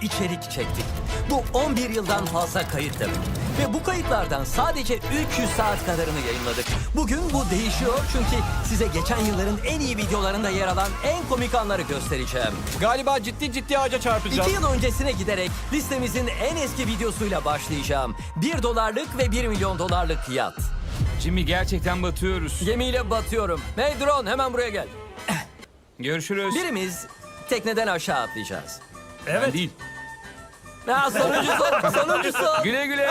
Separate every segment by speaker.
Speaker 1: içerik çektik. Bu 11 yıldan fazla kayıt demek. Ve bu kayıtlardan sadece 300 saat kadarını yayınladık. Bugün bu değişiyor çünkü size geçen yılların en iyi videolarında yer alan en komik anları göstereceğim.
Speaker 2: Galiba ciddi ağaca çarpacağım.
Speaker 1: 2 yıl öncesine giderek listemizin en eski videosuyla başlayacağım. $1 ve $1 milyon yat.
Speaker 2: Jimmy, gerçekten batıyoruz.
Speaker 1: Gemiyle batıyorum. Hey drone, hemen buraya gel.
Speaker 2: Görüşürüz.
Speaker 1: Birimiz tekneden aşağı atlayacağız.
Speaker 2: Ben değil.
Speaker 1: Sonuncusu.
Speaker 2: Güle güle.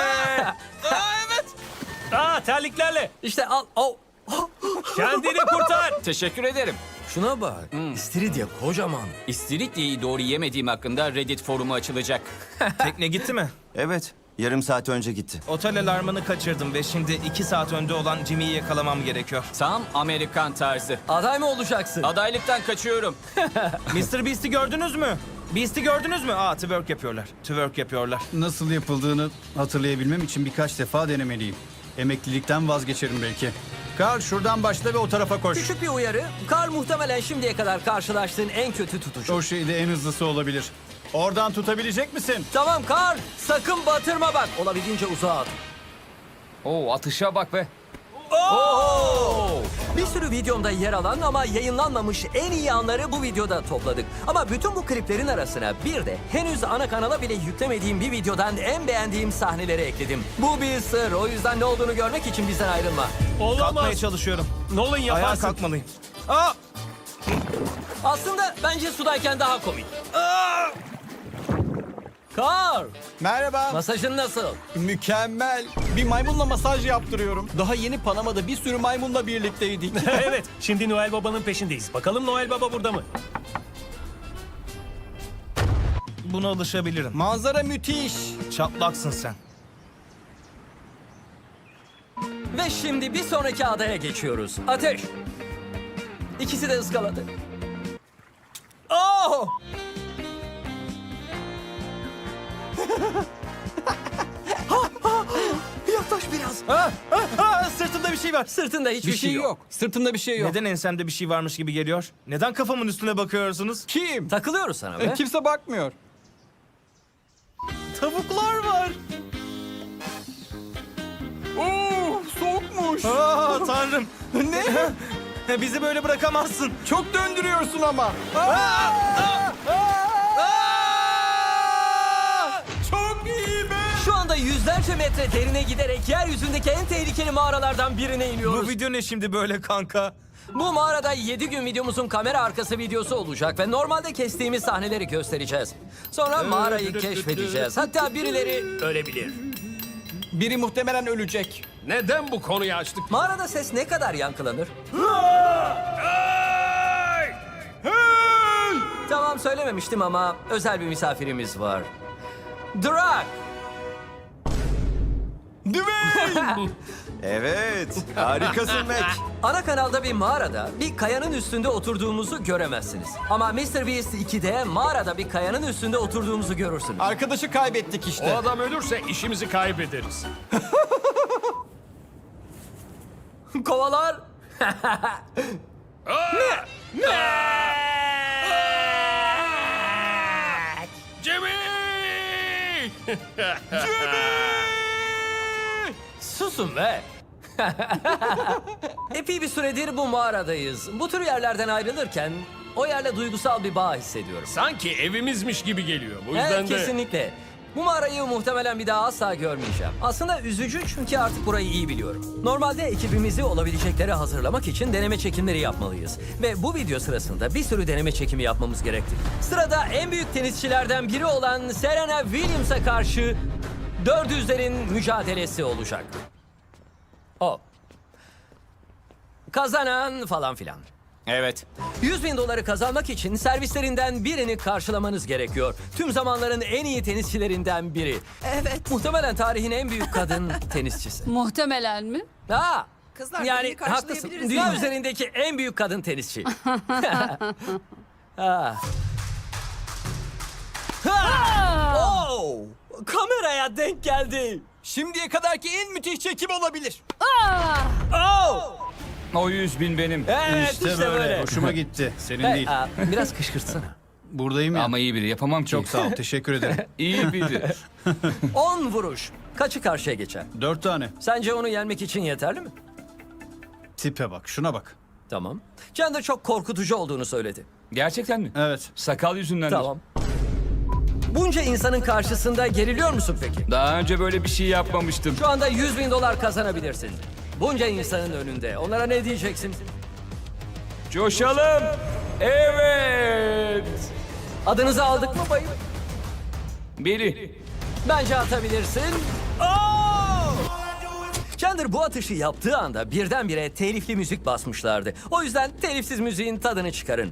Speaker 3: Terliklerle.
Speaker 1: İşte al. Oh.
Speaker 3: Kendini kurtar.
Speaker 2: Teşekkür ederim.
Speaker 1: Şuna bak. İstiridye kocaman.
Speaker 2: İstiridye'yi doğru yemediğim hakkında Reddit forumu açılacak.
Speaker 3: Tekne gitti mi?
Speaker 4: Evet, yarım saat önce gitti.
Speaker 3: Otel alarmını kaçırdım ve şimdi 2 saat önde olan Jimmy'yi yakalamam gerekiyor.
Speaker 2: Tam Amerikan tarzı.
Speaker 1: Aday mı olacaksın?
Speaker 2: Adaylıktan kaçıyorum.
Speaker 3: Mr. Beast'i gördünüz mü? Beast'i gördünüz mü? Twerk yapıyorlar. Twerk yapıyorlar.
Speaker 5: Nasıl yapıldığını hatırlayabilmem için birkaç defa denemeliyim. Emeklilikten vazgeçerim belki. Karl şuradan başla ve o tarafa koş.
Speaker 1: Küçük bir uyarı. Karl muhtemelen şimdiye kadar karşılaştığın en kötü tutucu.
Speaker 5: O şey de en hızlısı olabilir. Oradan tutabilecek misin?
Speaker 1: Tamam Karl. Sakın batırma bak. Olabildiğince uzağa at.
Speaker 2: Oo, atışa bak be.
Speaker 1: Bir sürü videomda yer alan ama yayınlanmamış en iyi anları bu videoda topladık. Ama bütün bu kliplerin arasına bir de henüz ana kanala bile yüklemediğim bir videodan en beğendiğim sahneleri ekledim. Bu bir sır. O yüzden ne olduğunu görmek için bizden ayrılma.
Speaker 3: Kalkmaya çalışıyorum.
Speaker 6: Nolan
Speaker 3: Ayağa
Speaker 6: yaparsın.
Speaker 3: kalkmalıyım.
Speaker 1: Aslında bence sudayken daha komik. Karl,
Speaker 5: Merhaba.
Speaker 1: masajın nasıl?
Speaker 5: Mükemmel. Bir maymunla masaj yaptırıyorum. Daha yeni Panama'da bir sürü maymunla birlikteydik.
Speaker 6: Evet, şimdi Noel Baba'nın peşindeyiz. Bakalım Noel Baba burada mı?
Speaker 3: Buna alışabilirim.
Speaker 5: Manzara müthiş.
Speaker 3: Çatlaksın sen.
Speaker 1: Ve şimdi bir sonraki adaya geçiyoruz. Ateş. İkisi de ıskaladı. Oh! Yaklaş biraz.
Speaker 3: Sırtımda bir şey var.
Speaker 1: Sırtında hiçbir
Speaker 2: Bir şey yok. Sırtımda bir şey yok.
Speaker 3: Neden ensemde bir şey varmış gibi geliyor? Neden kafamın üstüne bakıyorsunuz?
Speaker 2: Kim?
Speaker 1: Takılıyoruz sana be.
Speaker 2: Kimse bakmıyor.
Speaker 3: Tavuklar var.
Speaker 2: Oo, soğukmuş.
Speaker 3: Tanrım. Ne? Bizi böyle bırakamazsın.
Speaker 2: Çok döndürüyorsun ama.
Speaker 3: Çok iyi be.
Speaker 1: Şu anda yüzlerce metre derine giderek yeryüzündeki en tehlikeli mağaralardan birine iniyoruz.
Speaker 3: Bu video ne şimdi böyle kanka?
Speaker 1: Bu mağarada 7 gün videomuzun kamera arkası videosu olacak ve normalde kestiğimiz sahneleri göstereceğiz. Sonra mağarayı keşfedeceğiz. Hatta birileri ölebilir.
Speaker 2: Biri muhtemelen ölecek.
Speaker 6: Neden bu konuyu açtık?
Speaker 1: Mağarada ses ne kadar yankılanır? Tamam söylememiştim ama özel bir misafirimiz var. Drak!
Speaker 4: Evet, harikasın Mac.
Speaker 1: Ana kanalda bir mağarada bir kayanın üstünde oturduğumuzu göremezsiniz. Ama Mr. Beast 2'de mağarada bir kayanın üstünde oturduğumuzu görürsünüz.
Speaker 2: Arkadaşı kaybettik
Speaker 6: O
Speaker 2: işte.
Speaker 6: adam ölürse işimizi kaybederiz.
Speaker 1: Kovalar!
Speaker 6: Jimmy!
Speaker 1: Susun be! Epey bir süredir bu mağaradayız. Bu tür yerlerden ayrılırken o yerle duygusal bir bağ hissediyorum.
Speaker 6: Sanki evimizmiş gibi geliyor. Bu yüzden
Speaker 1: Evet,
Speaker 6: de...
Speaker 1: kesinlikle. Bu mağarayı muhtemelen bir daha asla görmeyeceğim. Aslında üzücü çünkü artık burayı iyi biliyorum. Normalde ekibimizi olabileceklere hazırlamak için deneme çekimleri yapmalıyız. Ve bu video sırasında bir sürü deneme çekimi yapmamız gerekti. Sırada en büyük tenisçilerden biri olan Serena Williams'a karşı 400'lerin mücadelesi olacak. O. Kazanan falan filan.
Speaker 2: Evet.
Speaker 1: $100.000 kazanmak için servislerinden birini karşılamanız gerekiyor. Tüm zamanların en iyi tenisçilerinden biri. Evet. Muhtemelen tarihin en büyük kadın tenisçisi.
Speaker 7: Muhtemelen mi?
Speaker 1: Ha.
Speaker 8: Kızlar,
Speaker 1: Yani
Speaker 8: birini
Speaker 1: haklısın.
Speaker 8: karşılayabiliriz
Speaker 1: Dünya
Speaker 8: değil mi?
Speaker 1: üzerindeki en büyük kadın tenisçi. Ha. Ha! Oh! Kameraya denk geldi.
Speaker 2: Şimdiye kadarki en müthiş çekim olabilir.
Speaker 1: Oh!
Speaker 2: O 100.000 benim.
Speaker 1: Evet işte, böyle.
Speaker 5: Hoşuma gitti. Senin
Speaker 1: Hey,
Speaker 5: değil.
Speaker 1: biraz kışkırtsana.
Speaker 5: Buradayım ya.
Speaker 2: Ama iyi biri yapamam ki.
Speaker 5: Çok sağ ol. Teşekkür ederim.
Speaker 2: İyi biri.
Speaker 1: 10 vuruş. Kaçı karşıya geçer?
Speaker 5: 4 tane.
Speaker 1: Sence onu yenmek için yeterli mi?
Speaker 5: Tipe bak. Şuna bak.
Speaker 1: Tamam. Chandler çok korkutucu olduğunu söyledi.
Speaker 2: Gerçekten mi?
Speaker 5: Evet.
Speaker 2: Sakal yüzünden.
Speaker 1: Tamam. Bunca insanın karşısında geriliyor musun peki?
Speaker 2: Daha önce böyle bir şey yapmamıştım.
Speaker 1: Şu anda 100 bin dolar kazanabilirsin. Bunca insanın önünde. Onlara ne diyeceksin?
Speaker 2: Coşalım. Evet.
Speaker 1: Adınızı aldık mı bayım?
Speaker 2: Biri.
Speaker 1: Bence atabilirsin. Oo! Chandler bu atışı yaptığı anda birdenbire telifli müzik basmışlardı. O yüzden telifsiz müziğin tadını çıkarın.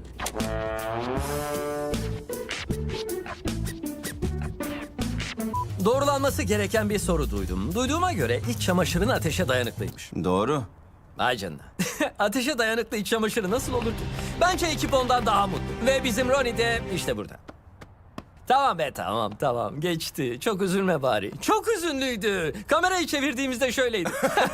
Speaker 1: Doğrulanması gereken bir soru duydum. Duyduğuma göre iç çamaşırın ateşe dayanıklıymış.
Speaker 4: Doğru.
Speaker 1: Ay canına. Ateşe dayanıklı iç çamaşırı nasıl olur ki? Bence ekip ondan daha mutlu. Ve bizim Ronnie de işte burada. Tamam be tamam geçti. Çok üzülme bari. Çok üzünlüydü. Kamerayı çevirdiğimizde şöyleydi.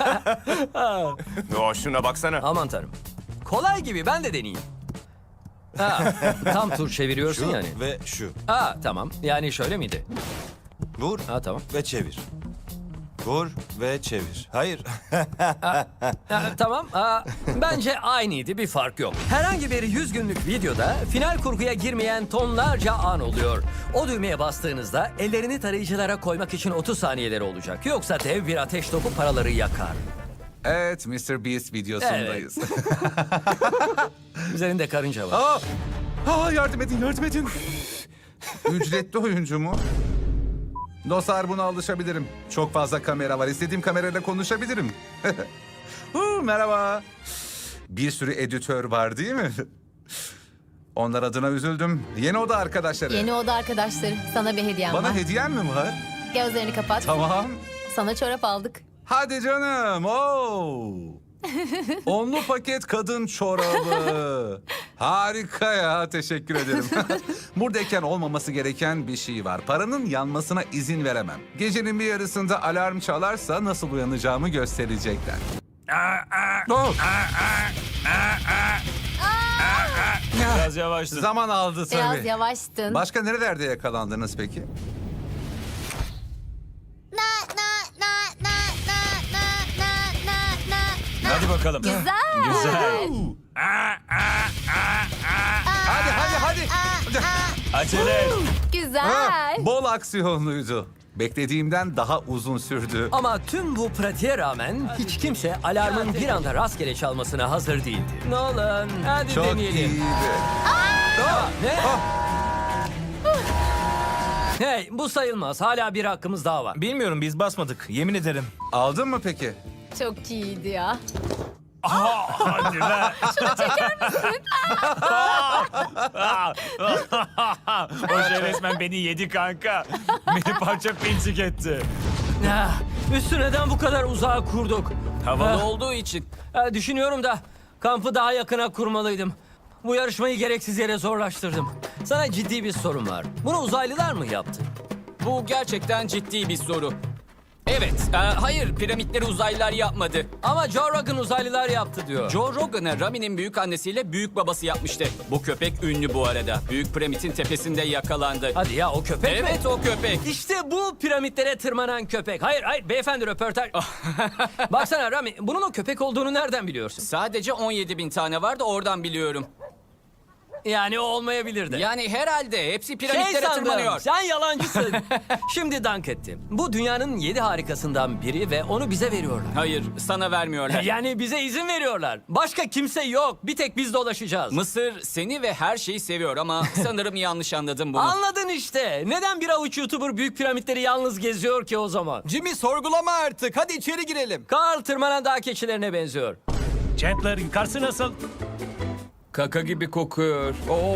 Speaker 7: Yo, şuna baksana.
Speaker 1: Aman tanrım. Kolay gibi ben de deneyeyim. Ha, tam tur çeviriyorsun yani.
Speaker 8: Ve şu.
Speaker 1: Ha tamam yani şöyle miydi?
Speaker 8: Vur
Speaker 1: Ha tamam.
Speaker 8: ve çevir. Vur ve çevir. Hayır.
Speaker 1: Ha, tamam. Bence aynıydı, bir fark yok. Herhangi bir 100 günlük videoda final kurguya girmeyen tonlarca an oluyor. O düğmeye bastığınızda ellerini tarayıcılara koymak için 30 saniyeleri olacak. Yoksa dev bir ateş topu paraları yakar.
Speaker 9: Evet, Mr. Beast videosundayız.
Speaker 1: Üzerinde karınca var.
Speaker 9: Yardım edin. Ücretli oyuncu mu? Dostlar, buna alışabilirim. Çok fazla kamera var. İstediğim kamerayla konuşabilirim. Merhaba. Bir sürü editör var değil mi? Onlar adına üzüldüm. Yeni oda arkadaşları.
Speaker 10: Yeni oda arkadaşları. Sana bir hediyem
Speaker 9: Bana
Speaker 10: var.
Speaker 9: hediyem mi var?
Speaker 10: Gözlerini kapat.
Speaker 9: Tamam.
Speaker 10: Sana çorap aldık.
Speaker 9: Hadi canım. Oo. Onlu paket kadın çorabı. Harika ya. Teşekkür ederim. Buradayken olmaması gereken bir şey var. Paranın yanmasına izin veremem. Gecenin bir yarısında alarm çalarsa nasıl uyanacağımı gösterecekler. Oh.
Speaker 6: Biraz yavaştın.
Speaker 9: Zaman aldı
Speaker 10: Biraz
Speaker 9: tabii.
Speaker 10: yavaştın.
Speaker 9: Başka nerelerde yakalandınız peki?
Speaker 6: Hadi bakalım.
Speaker 10: Güzel.
Speaker 6: Güzel.
Speaker 9: Hadi.
Speaker 6: Acele et.
Speaker 10: Güzel.
Speaker 9: Bol aksiyonluydu. Beklediğimden daha uzun sürdü.
Speaker 1: Ama tüm bu pratiğe rağmen hiç kimse alarmın bir anda rastgele çalmasına hazır değildi. Nolan, hadi
Speaker 9: Çok
Speaker 1: deneyelim.
Speaker 9: iyiydi.
Speaker 1: Ne? Hey, bu sayılmaz. Hala bir hakkımız daha var.
Speaker 3: Bilmiyorum, biz basmadık. Yemin ederim.
Speaker 9: Aldın mı peki?
Speaker 10: Çok iyiydi ya.
Speaker 6: Hadi be. O şey resmen beni yedi kanka. Beni parça pinçik etti.
Speaker 1: Üstü neden bu kadar uzağa kurduk?
Speaker 2: Havalı
Speaker 1: Ah.
Speaker 2: olduğu için.
Speaker 1: Düşünüyorum da kampı daha yakına kurmalıydım. Bu yarışmayı gereksiz yere zorlaştırdım. Sana ciddi bir sorum var. Bunu uzaylılar mı yaptı?
Speaker 2: Bu gerçekten ciddi bir soru. Evet. Hayır, piramitleri uzaylılar yapmadı.
Speaker 1: Ama Joe Rogan uzaylılar yaptı diyor.
Speaker 2: Joe Rogan'a Rami'nin büyük annesiyle büyük babası yapmıştı. Bu köpek ünlü bu arada. Büyük piramidin tepesinde yakalandı.
Speaker 1: Hadi ya, o köpek mi?
Speaker 2: Evet, o köpek.
Speaker 1: İşte bu piramitlere tırmanan köpek. Hayır beyefendi, röportaj. Baksana Rami, bunun o köpek olduğunu nereden biliyorsun?
Speaker 2: Sadece 17 bin tane var da oradan biliyorum.
Speaker 1: Yani o olmayabilirdi.
Speaker 2: Yani herhalde hepsi piramitlere
Speaker 1: sandım,
Speaker 2: tırmanıyor.
Speaker 1: sen yalancısın. Şimdi dank ettim. Bu dünyanın 7 harikasından biri ve onu bize veriyorlar.
Speaker 2: Hayır, sana vermiyorlar.
Speaker 1: Yani bize izin veriyorlar. Başka kimse yok. Bir tek biz dolaşacağız.
Speaker 2: Mısır seni ve her şeyi seviyor ama sanırım yanlış anladım bunu.
Speaker 1: Anladın işte. Neden bir avuç YouTuber büyük piramitleri yalnız geziyor ki o zaman?
Speaker 8: Jimmy, sorgulama artık. Hadi içeri girelim.
Speaker 1: Carl tırmanan dağ keçilerine benziyor.
Speaker 6: Chandler, yukarısı nasıl?
Speaker 2: Kaka gibi kokuyor.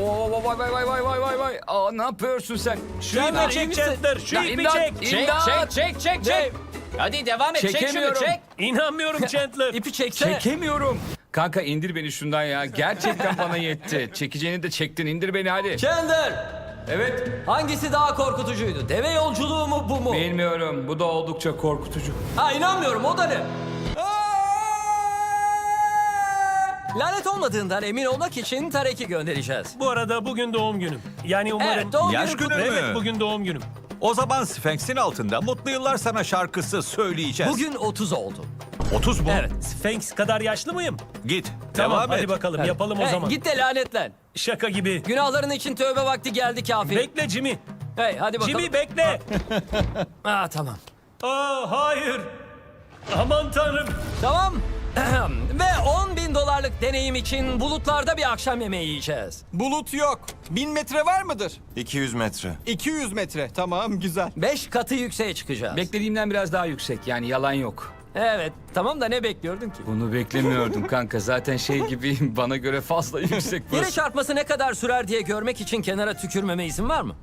Speaker 2: Vay. Aa, ne yapıyorsun sen?
Speaker 6: Şu
Speaker 1: Chandler,
Speaker 6: ipi
Speaker 1: iyi
Speaker 6: çek
Speaker 1: misin?
Speaker 6: Chandler. Şu
Speaker 2: Ya,
Speaker 6: ipi
Speaker 2: imdat,
Speaker 6: çek.
Speaker 2: imdat. Çek.
Speaker 1: Dave.
Speaker 2: Hadi devam et. Çek şunu,
Speaker 1: Çekemiyorum.
Speaker 2: çek.
Speaker 6: İnanmıyorum Chandler.
Speaker 1: İpi çeksene.
Speaker 2: Çekemiyorum. Kanka indir beni şundan ya. Gerçekten bana yetti. Çekeceğini de çektin. İndir beni hadi.
Speaker 1: Chandler,
Speaker 2: Evet.
Speaker 1: hangisi daha korkutucuydu? Deve yolculuğu mu, bu mu?
Speaker 2: Bilmiyorum. Bu da oldukça korkutucu.
Speaker 1: Ha, inanmıyorum, o da ne? Lanet olmadığından emin olmak için Tarek'i göndereceğiz.
Speaker 7: Bu arada bugün doğum günüm. Yani umarım...
Speaker 1: Evet, doğum
Speaker 6: Yaş
Speaker 1: günü
Speaker 6: günü
Speaker 1: kutlu.
Speaker 6: mü?
Speaker 7: Evet, bugün doğum günüm.
Speaker 6: O zaman Sphinx'in altında Mutlu Yıllar Sana şarkısı söyleyeceğiz.
Speaker 1: Bugün 30 oldu.
Speaker 6: 30 mu?
Speaker 1: Evet.
Speaker 7: Sphinx kadar yaşlı mıyım?
Speaker 6: Git.
Speaker 7: Tamam,
Speaker 6: Devam
Speaker 7: hadi
Speaker 6: et.
Speaker 7: bakalım yapalım o
Speaker 1: Hey,
Speaker 7: zaman.
Speaker 1: git de lanetlen.
Speaker 7: Şaka gibi.
Speaker 1: Günahların için tövbe vakti geldi kafir.
Speaker 7: Bekle Jimmy.
Speaker 1: Hey, hadi bakalım.
Speaker 7: Jimmy bekle.
Speaker 1: Tamam.
Speaker 7: Aa, hayır. Aman tanrım.
Speaker 1: Tamam. Ve 10.000 dolarlık deneyim için bulutlarda bir akşam yemeği yiyeceğiz.
Speaker 11: Bulut yok. 1000 metre var mıdır?
Speaker 4: 200 metre.
Speaker 11: 200 metre. Tamam, güzel.
Speaker 1: 5 katı yükseğe çıkacağız.
Speaker 2: Beklediğimden biraz daha yüksek yani yalan yok.
Speaker 1: Evet, tamam da ne bekliyordun ki?
Speaker 2: Bunu beklemiyordum kanka. Zaten şey gibi bana göre fazla yüksek
Speaker 1: Yere çarpması ne kadar sürer diye görmek için kenara tükürmeme izin var mı?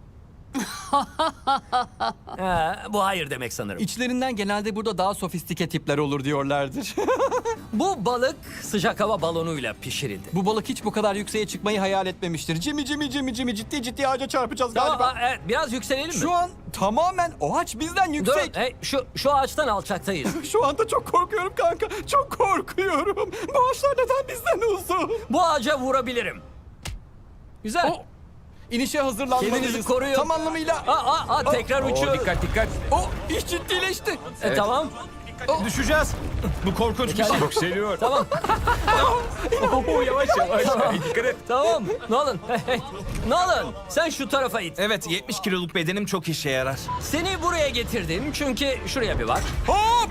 Speaker 1: Bu hayır demek sanırım.
Speaker 11: İçlerinden genelde burada daha sofistike tipler olur diyorlardır.
Speaker 1: Bu balık sıcak hava balonuyla pişirildi.
Speaker 11: Bu balık hiç bu kadar yükseğe çıkmayı hayal etmemiştir. Jimmy ciddi ağaca çarpacağız galiba.
Speaker 1: Tamam, evet, biraz yükselelim mi?
Speaker 11: Şu an tamamen o ağaç bizden
Speaker 1: Dur,
Speaker 11: yüksek.
Speaker 1: hey, şu ağaçtan alçaktayız.
Speaker 11: Şu anda çok korkuyorum kanka. Çok korkuyorum. Bu ağaçlar neden bizden uzun?
Speaker 1: Bu ağaca vurabilirim. Güzel.
Speaker 11: İnişe hazırlanmalıyız.
Speaker 1: Kendinizi koruyun.
Speaker 11: Tam anlamıyla.
Speaker 1: Tekrar uçuyoruz.
Speaker 2: Dikkat.
Speaker 11: İş ciddileşti.
Speaker 1: Tamam.
Speaker 3: Düşeceğiz. Bu korkunç bir şey.
Speaker 2: Yükseliyor.
Speaker 1: Tamam.
Speaker 2: Yavaş. Dikkat et.
Speaker 1: Tamam. Nolan. Hey. Nolan, sen şu tarafa it.
Speaker 3: Evet, 70 kiloluk bedenim çok işe yarar.
Speaker 1: Seni buraya getirdim çünkü şuraya bir bak.
Speaker 11: Hop!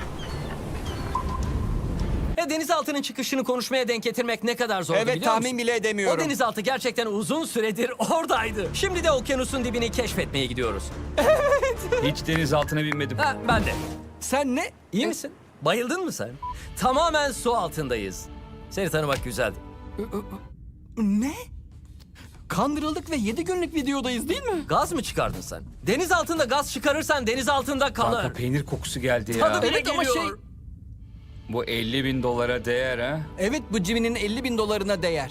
Speaker 1: Denizaltının çıkışını konuşmaya denk getirmek ne kadar zordu
Speaker 11: Evet,
Speaker 1: biliyor musun?
Speaker 11: tahmin bile
Speaker 1: O
Speaker 11: edemiyorum.
Speaker 1: denizaltı gerçekten uzun süredir oradaydı. Şimdi de okyanusun dibini keşfetmeye gidiyoruz.
Speaker 2: Hiç deniz altına binmedim.
Speaker 1: Ben de.
Speaker 11: Sen ne?
Speaker 1: İyi misin? Bayıldın mı sen? Tamamen su altındayız. Seni tanımak güzeldi.
Speaker 11: Ne? Kandırıldık ve 7 günlük videodayız değil mi?
Speaker 1: Gaz mı çıkardın sen? Deniz altında gaz çıkarırsan deniz altında kalır.
Speaker 2: Kanka peynir kokusu geldi
Speaker 1: Tadı
Speaker 2: ya.
Speaker 1: bile
Speaker 11: Evet ama
Speaker 1: geliyor.
Speaker 2: Bu 50.000 dolara değer ha.
Speaker 11: Evet, bu Jimmy'nin 50.000 dolarına değer.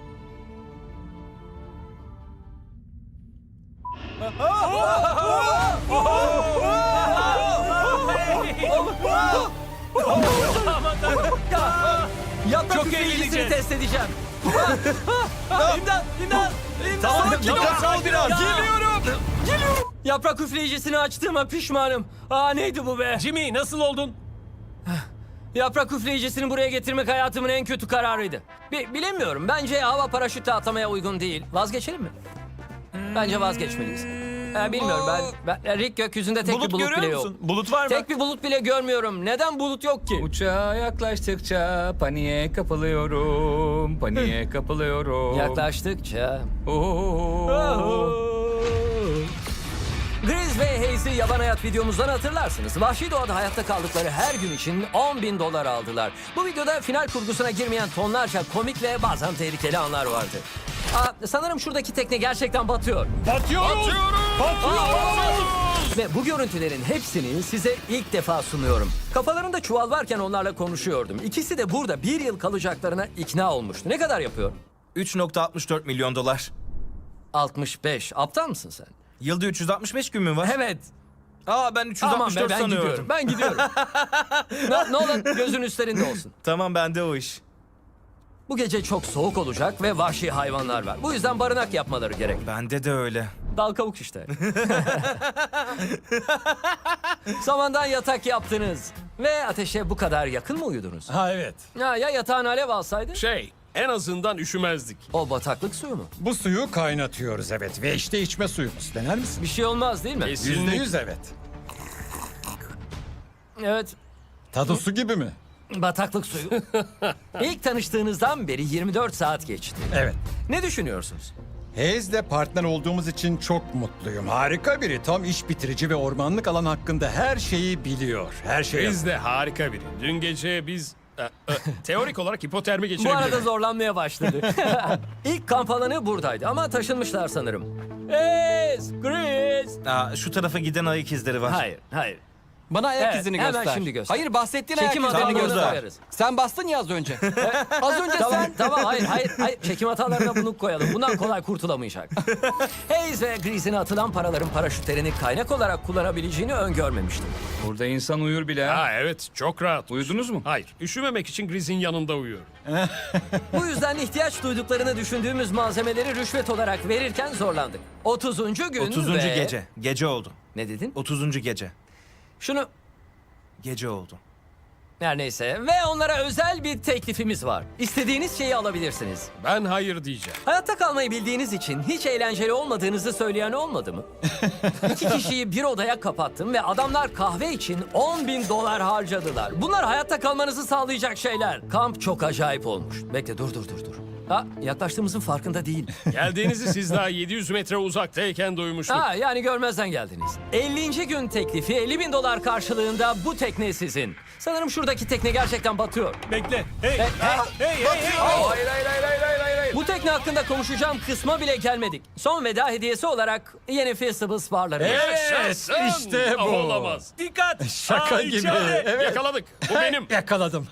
Speaker 1: Yaprak
Speaker 7: Çok
Speaker 1: üfleyicisini
Speaker 7: eğleneceğiz.
Speaker 1: test edeceğim. İmdat!
Speaker 7: Tamam, ol biraz.
Speaker 11: Geliyorum.
Speaker 1: Yaprak üfleyicisini açtığıma pişmanım. Neydi bu be?
Speaker 7: Jimmy nasıl oldun?
Speaker 1: Yaprak üfleyicisini buraya getirmek hayatımın en kötü kararıydı. Bilemiyorum. Bence hava paraşütle atlamaya uygun değil. Vazgeçelim mi? Bence vazgeçmeliyiz. Bilmiyorum ben Rick gökyüzünde tek bir
Speaker 6: Bulut
Speaker 1: bulut
Speaker 6: görüyor
Speaker 1: bile
Speaker 6: musun?
Speaker 1: yok.
Speaker 6: Bulut var mı?
Speaker 1: Tek bir bulut bile görmüyorum. Neden bulut yok ki?
Speaker 2: Uçağa yaklaştıkça paniğe kapılıyorum. Paniğe kapılıyorum.
Speaker 1: Yaklaştıkça.
Speaker 2: Oo.
Speaker 1: Grizz ve Hayes'i yaban hayat videomuzdan hatırlarsınız. Vahşi doğada hayatta kaldıkları her gün için 10.000 dolar aldılar. Bu videoda final kurgusuna girmeyen tonlarca komik ve bazen tehlikeli anlar vardı. Sanırım şuradaki tekne gerçekten batıyor.
Speaker 7: Batıyoruz.
Speaker 1: Ve bu görüntülerin hepsini size ilk defa sunuyorum. Kafalarında çuval varken onlarla konuşuyordum. İkisi de burada bir yıl kalacaklarına ikna olmuştu. Ne kadar yapıyor?
Speaker 3: 3.64 milyon dolar.
Speaker 1: 65. Aptal mısın sen?
Speaker 3: Yılda 365 gün mü var?
Speaker 1: Evet.
Speaker 3: Ben 364
Speaker 1: ben
Speaker 3: sanıyorum.
Speaker 1: gidiyorum. Ben gidiyorum. ne olur gözün üstlerinde olsun.
Speaker 3: Tamam, bende o iş.
Speaker 1: Bu gece çok soğuk olacak ve vahşi hayvanlar var. Bu yüzden barınak yapmaları gerek.
Speaker 3: Bende de öyle.
Speaker 1: Dal kavuk işte. Samandan yatak yaptınız. Ve ateşe bu kadar yakın mı uyudunuz?
Speaker 7: Ha evet.
Speaker 1: Ya yatağın alev alsaydı?
Speaker 7: En azından üşümezdik.
Speaker 1: O bataklık suyu mu?
Speaker 12: Bu suyu kaynatıyoruz evet ve işte içme suyumuz. Dener misin?
Speaker 1: Bir şey olmaz değil mi?
Speaker 12: %100 evet.
Speaker 1: Evet.
Speaker 12: Tadı su gibi mi?
Speaker 1: Bataklık suyu. İlk tanıştığınızdan beri 24 saat geçti.
Speaker 12: Evet.
Speaker 1: Ne düşünüyorsunuz?
Speaker 12: Hayes'le partner olduğumuz için çok mutluyum. Harika biri. Tam iş bitirici ve ormanlık alan hakkında her şeyi biliyor. Her şeyi.
Speaker 7: Biz de harika biri. Dün gece biz teorik olarak hipotermi
Speaker 1: Bu
Speaker 7: geçirebiliriz.
Speaker 1: arada zorlanmaya başladı. İlk kamp alanı buradaydı ama taşınmışlar sanırım. Chris!
Speaker 3: Şu tarafa giden ayak izleri var.
Speaker 1: Hayır.
Speaker 11: Bana ayak
Speaker 1: Evet,
Speaker 11: izini
Speaker 1: hemen
Speaker 11: göster.
Speaker 1: şimdi göster.
Speaker 11: Hayır, bahsettiğin
Speaker 1: Çekim
Speaker 11: ayak izini
Speaker 1: hatalarını
Speaker 11: göster.
Speaker 1: koyarız.
Speaker 11: Sen bastın ya az önce. Az önce
Speaker 1: Tamam,
Speaker 11: sen...
Speaker 1: tamam, hayır. Çekim hatalarına bunu koyalım. Bundan kolay kurtulamayacak. Hayes ve Grease'in atılan paraların paraşütlerini kaynak olarak kullanabileceğini öngörmemiştim.
Speaker 6: Burada insan uyur bile.
Speaker 7: Ha evet çok rahat.
Speaker 6: Uyudunuz mu?
Speaker 7: Hayır üşümemek için Griz'in yanında uyuyor.
Speaker 1: Bu yüzden ihtiyaç duyduklarını düşündüğümüz malzemeleri rüşvet olarak verirken zorlandık. 30. gün
Speaker 3: 30.
Speaker 1: ve...
Speaker 3: gece. Gece oldu.
Speaker 1: Ne dedin?
Speaker 3: 30. gece.
Speaker 1: Şunu...
Speaker 3: Gece oldu.
Speaker 1: Her neyse. Ve onlara özel bir teklifimiz var. İstediğiniz şeyi alabilirsiniz.
Speaker 7: Ben hayır diyeceğim.
Speaker 1: Hayatta kalmayı bildiğiniz için hiç eğlenceli olmadığınızı söyleyen olmadı mı? 2 kişiyi bir odaya kapattım ve adamlar kahve için $10.000 harcadılar. Bunlar hayatta kalmanızı sağlayacak şeyler. Kamp çok acayip olmuş. Bekle dur. Ha, yaklaştığımızın farkında değil.
Speaker 7: Geldiğinizi siz daha 700 metre uzaktayken duymuştuk.
Speaker 1: Ha, yani görmezden geldiniz. 50. gün teklifi $50.000 karşılığında bu tekne sizin. Sanırım şuradaki tekne gerçekten batıyor.
Speaker 7: Bekle. Hey.
Speaker 1: Bu tekne hakkında konuşacağım kısma bile gelmedik. Son veda hediyesi olarak yeni Festivals barları.
Speaker 7: Evet,
Speaker 12: işte bu.
Speaker 7: Olamaz. Dikkat.
Speaker 12: Şaka gibi.
Speaker 7: içeride.
Speaker 12: Evet.
Speaker 7: Yakaladık. Bu benim.
Speaker 12: Yakaladım.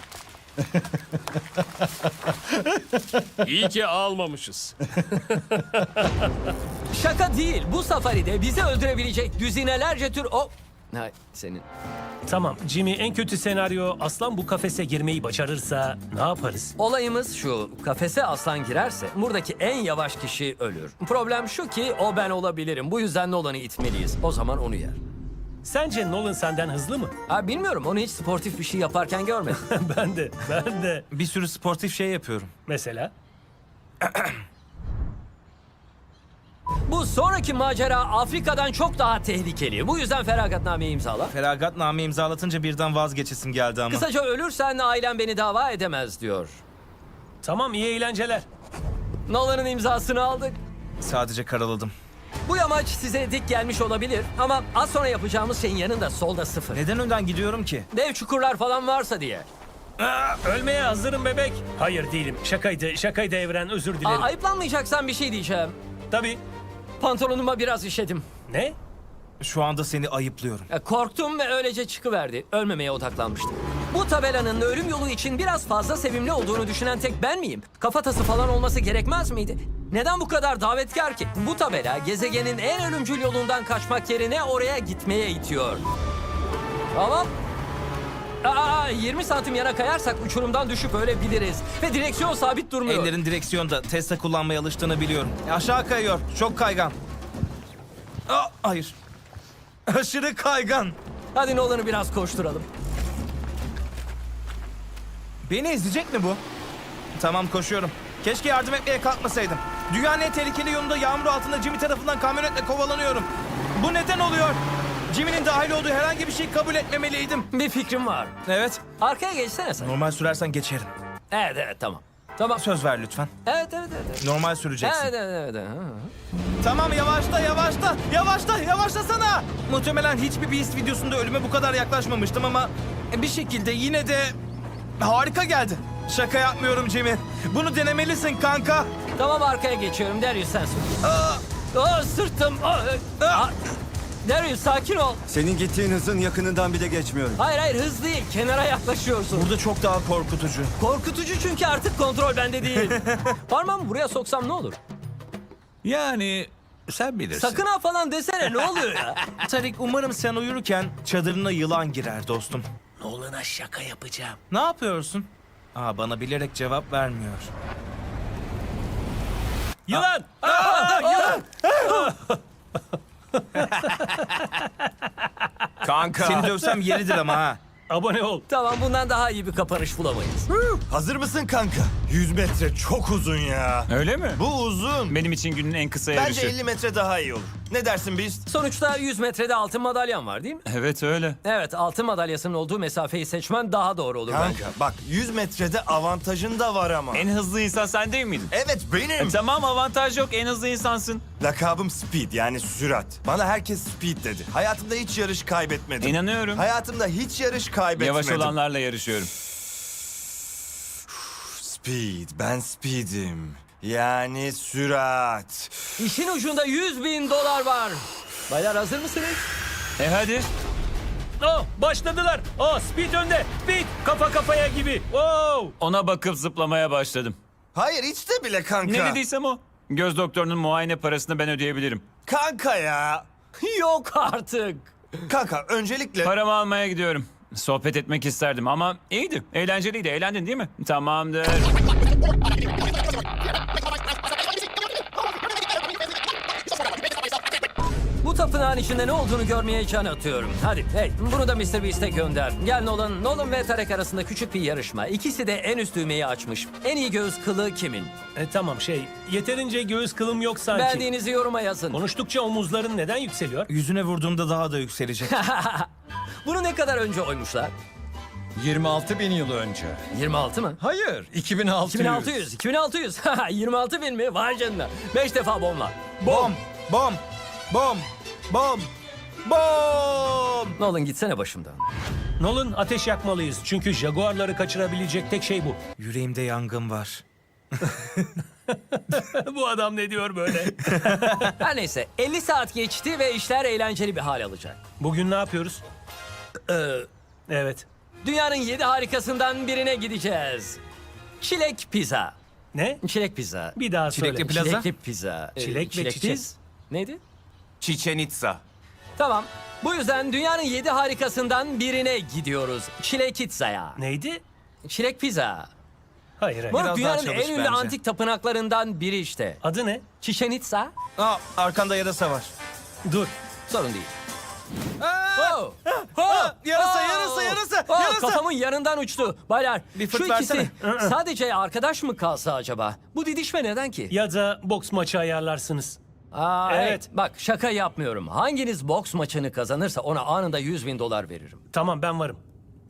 Speaker 7: İyi ki almamışız.
Speaker 1: Şaka değil. Bu safaride bizi öldürebilecek düzinelerce tür... Hayır, senin.
Speaker 13: Tamam Jimmy, en kötü senaryo aslan bu kafese girmeyi başarırsa ne yaparız?
Speaker 1: Olayımız şu. Kafese aslan girerse buradaki en yavaş kişi ölür. Problem şu ki o ben olabilirim. Bu yüzden Nolan'ı itmeliyiz. O zaman onu yer.
Speaker 13: Sence Nolan senden hızlı mı?
Speaker 1: Ha, bilmiyorum. Onu hiç sportif bir şey yaparken görmedim.
Speaker 13: Ben de.
Speaker 3: Bir sürü sportif şey yapıyorum.
Speaker 13: Mesela?
Speaker 1: Bu sonraki macera Afrika'dan çok daha tehlikeli. Bu yüzden feragatnameyi imzala.
Speaker 3: Feragatname imzalatınca birden vazgeçesim geldi ama.
Speaker 1: Kısaca ölürsen ailem beni dava edemez diyor.
Speaker 13: Tamam, iyi eğlenceler.
Speaker 1: Nolan'ın imzasını aldık.
Speaker 3: Sadece karaladım.
Speaker 1: Bu yamaç size dik gelmiş olabilir ama az sonra yapacağımız şeyin yanında solda 0.
Speaker 3: Neden önden gidiyorum ki?
Speaker 1: Dev çukurlar falan varsa diye.
Speaker 13: Ölmeye hazırım bebek. Hayır değilim. Şakaydı Evren, özür dilerim.
Speaker 1: Ayıplanmayacaksan bir şey diyeceğim.
Speaker 13: Tabii.
Speaker 1: Pantolonuma biraz işedim.
Speaker 13: Ne?
Speaker 3: Şu anda seni ayıplıyorum.
Speaker 1: Korktum ve öylece çıkıverdi. Ölmemeye odaklanmıştım. Bu tabelanın ölüm yolu için biraz fazla sevimli olduğunu düşünen tek ben miyim? Kafatası falan olması gerekmez miydi? Neden bu kadar davetkar ki? Bu tabela gezegenin en ölümcül yolundan kaçmak yerine oraya gitmeye itiyor. Tamam. 20 santim yana kayarsak uçurumdan düşüp ölebiliriz. Ve direksiyon sabit durmuyor.
Speaker 3: Ellerin direksiyonda. Tesla kullanmaya alıştığını biliyorum. Aşağı kayıyor. Çok kaygan. Hayır. Aşırı kaygan.
Speaker 1: Hadi Nolan'ı biraz koşturalım.
Speaker 3: Beni ezecek mi bu? Tamam, koşuyorum. Keşke yardım etmeye kalkmasaydım. Dünyanın en tehlikeli yolunda yağmur altında Jimmy tarafından kamyonetle kovalanıyorum. Bu neden oluyor? Jimmy'nin dahil olduğu herhangi bir şeyi kabul etmemeliydim.
Speaker 1: Bir fikrim var.
Speaker 3: Evet.
Speaker 1: Arkaya geçsene sen.
Speaker 3: Normal sürersen geçerim.
Speaker 1: Evet tamam. Tamam.
Speaker 3: Söz ver lütfen.
Speaker 1: Evet.
Speaker 3: Normal süreceksin.
Speaker 1: Evet.
Speaker 3: Tamam, yavaşlasana. Muhtemelen hiçbir Beast videosunda ölüme bu kadar yaklaşmamıştım ama bir şekilde yine de harika geldi. Şaka yapmıyorum Jimmy. Bunu denemelisin kanka.
Speaker 1: Tamam, arkaya geçiyorum. Darius sen sür. Sırtım. Darius sakin ol.
Speaker 4: Senin gittiğin hızın yakınından bile geçmiyorum.
Speaker 1: Hayır hız değil. Kenara yaklaşıyorsun.
Speaker 3: Burada çok daha korkutucu.
Speaker 1: Korkutucu çünkü artık kontrol bende değil. Parmağımı buraya soksam ne olur?
Speaker 6: Yani sen bilirsin.
Speaker 1: Sakın ha falan desene, ne oluyor ya?
Speaker 3: Tarik, umarım sen uyurken çadırına yılan girer dostum.
Speaker 13: Nolan'a şaka yapacağım.
Speaker 3: Ne yapıyorsun? Bana bilerek cevap vermiyor.
Speaker 13: Yılan!
Speaker 8: Kanka.
Speaker 3: Seni dövsem yeridir ama ha.
Speaker 13: Abone ol.
Speaker 1: Tamam, bundan daha iyi bir kapanış bulamayız.
Speaker 8: Hazır mısın kanka? 100 metre çok uzun ya.
Speaker 6: Öyle mi?
Speaker 8: Bu uzun.
Speaker 6: Benim için günün en kısa yarışı.
Speaker 8: Bence 50 metre daha iyi olur. Ne dersin Beast?
Speaker 1: Sonuçta 100 metrede altın madalyan var değil mi?
Speaker 6: Evet öyle.
Speaker 1: Evet, altın madalyasının olduğu mesafeyi seçmen daha doğru olur bence.
Speaker 8: Kanka bak 100 metrede avantajın da var ama.
Speaker 6: En hızlı insan sen değil miydin?
Speaker 8: Evet benim.
Speaker 6: Tamam, avantaj yok, en hızlı insansın.
Speaker 8: Lakabım Speed yani sürat. Bana herkes Speed dedi. Hayatımda hiç yarış kaybetmedim.
Speaker 6: İnanıyorum.
Speaker 8: Hayatımda hiç yarış kaybetmedim.
Speaker 6: Yavaş olanlarla yarışıyorum.
Speaker 8: Speed. Ben Speed'im. Yani sürat.
Speaker 1: İşin ucunda $100.000 var. Baylar hazır mısınız?
Speaker 6: Hadi.
Speaker 13: Oh, başladılar. Oh, Speed önde. Speed kafa kafaya gibi. Wow.
Speaker 2: Ona bakıp zıplamaya başladım.
Speaker 8: Hayır hiç de bile kanka.
Speaker 2: Ne dediysem o. Göz doktorunun muayene parasını ben ödeyebilirim.
Speaker 8: Kanka ya.
Speaker 1: Yok artık.
Speaker 8: Kanka öncelikle...
Speaker 2: Paramı almaya gidiyorum. Sohbet etmek isterdim ama iyiydi. Eğlenceliydi. Eğlendin değil mi? Tamamdır.
Speaker 1: Bu tapınağın içinde ne olduğunu görmeye can atıyorum. Hadi hey, bunu da Mr. Beast'e gönder. Gel Nolan. Nolan ve Tarek arasında küçük bir yarışma. İkisi de en üst düğmeyi açmış. En iyi göğüs kılı kimin?
Speaker 13: Tamam yeterince göğüs kılım yok sanki.
Speaker 1: Beğendiğinizi yoruma yazın.
Speaker 13: Konuştukça omuzların neden yükseliyor?
Speaker 3: Yüzüne vurduğumda daha da yükselecek.
Speaker 1: Bunu ne kadar önce oymuşlar?
Speaker 12: 26 bin yıl önce.
Speaker 1: 26 mı?
Speaker 12: Hayır, 2600.
Speaker 1: 2600. 2600. 26 bin mi? Vay canına. 5 defa bomba.
Speaker 3: Bom, bom, bom, bom, bom.
Speaker 1: Nolan gitsene başımdan.
Speaker 13: Nolan ateş yakmalıyız. Çünkü jaguarları kaçırabilecek tek şey bu.
Speaker 3: Yüreğimde yangın var.
Speaker 13: Bu adam ne diyor böyle?
Speaker 1: Her neyse 50 saat geçti ve işler eğlenceli bir hal alacak.
Speaker 13: Bugün ne yapıyoruz? Evet.
Speaker 1: Dünyanın 7 harikasından birine gideceğiz. Çilek pizza.
Speaker 13: Ne?
Speaker 1: Çilek pizza.
Speaker 13: Bir daha söyle.
Speaker 3: Çilekli plaza?
Speaker 1: Çilekli pizza.
Speaker 13: Çilek ve çiçek.
Speaker 1: piz. Neydi?
Speaker 8: Chichen Itza.
Speaker 1: Tamam. Bu yüzden dünyanın 7 harikasından birine gidiyoruz. Çilek pizzaya.
Speaker 13: Neydi?
Speaker 1: Çilek pizza.
Speaker 13: Hayır.
Speaker 1: Bu
Speaker 3: Biraz daha
Speaker 1: dünyanın
Speaker 3: çalış
Speaker 1: en ünlü
Speaker 3: bence.
Speaker 1: antik tapınaklarından biri işte.
Speaker 13: Adı ne?
Speaker 1: Chichen Itza.
Speaker 3: Aa, arkanda yarasa var.
Speaker 13: Dur.
Speaker 1: Sorun değil. Oh!
Speaker 3: Yarasa,
Speaker 1: Oh!
Speaker 3: yarasa, yarasa,
Speaker 1: Oh,
Speaker 3: yarasa.
Speaker 1: Kafamın yanından uçtu. Baylar,
Speaker 3: Bir fırt
Speaker 1: şu ikisi
Speaker 3: versene.
Speaker 1: sadece arkadaş mı kalsa acaba? Bu didişme neden ki?
Speaker 13: Ya da boks maçı ayarlarsınız.
Speaker 1: Aa,
Speaker 13: Evet.
Speaker 1: evet. Bak şaka yapmıyorum. Hanginiz boks maçını kazanırsa ona anında 100.000 dolar veririm.
Speaker 13: Tamam ben varım.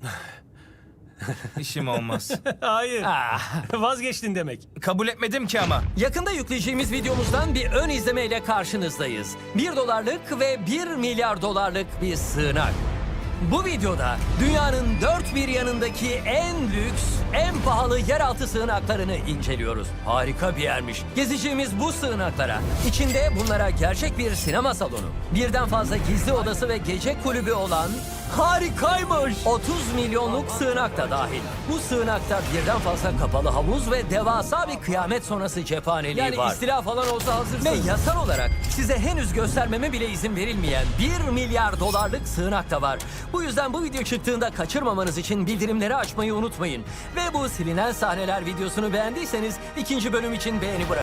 Speaker 3: İşim olmaz.
Speaker 13: Hayır.
Speaker 1: Ah.
Speaker 13: Vazgeçtin demek.
Speaker 3: Kabul etmedim ki ama.
Speaker 1: Yakında yükleyeceğimiz videomuzdan bir ön izlemeyle karşınızdayız. 1 dolarlık ve 1 milyar dolarlık bir sığınak. Bu videoda dünyanın dört bir yanındaki en lüks, en pahalı yeraltı sığınaklarını inceliyoruz. Harika bir yermiş. Gezeceğimiz bu sığınaklara, içinde bunlara gerçek bir sinema salonu, birden fazla gizli odası ve gece kulübü olan harikaymış 30 milyonluk sığınak da dahil. Bu sığınakta birden fazla kapalı havuz ve devasa bir kıyamet sonrası cephaneliği var. Yani istila falan olsa hazırsınız. Ve yasal olarak size henüz göstermeme bile izin verilmeyen 1 milyar dolarlık sığınak da var. Bu yüzden bu video çıktığında kaçırmamanız için bildirimleri açmayı unutmayın. Ve bu silinen sahneler videosunu beğendiyseniz ikinci bölüm için beğeni bırakın.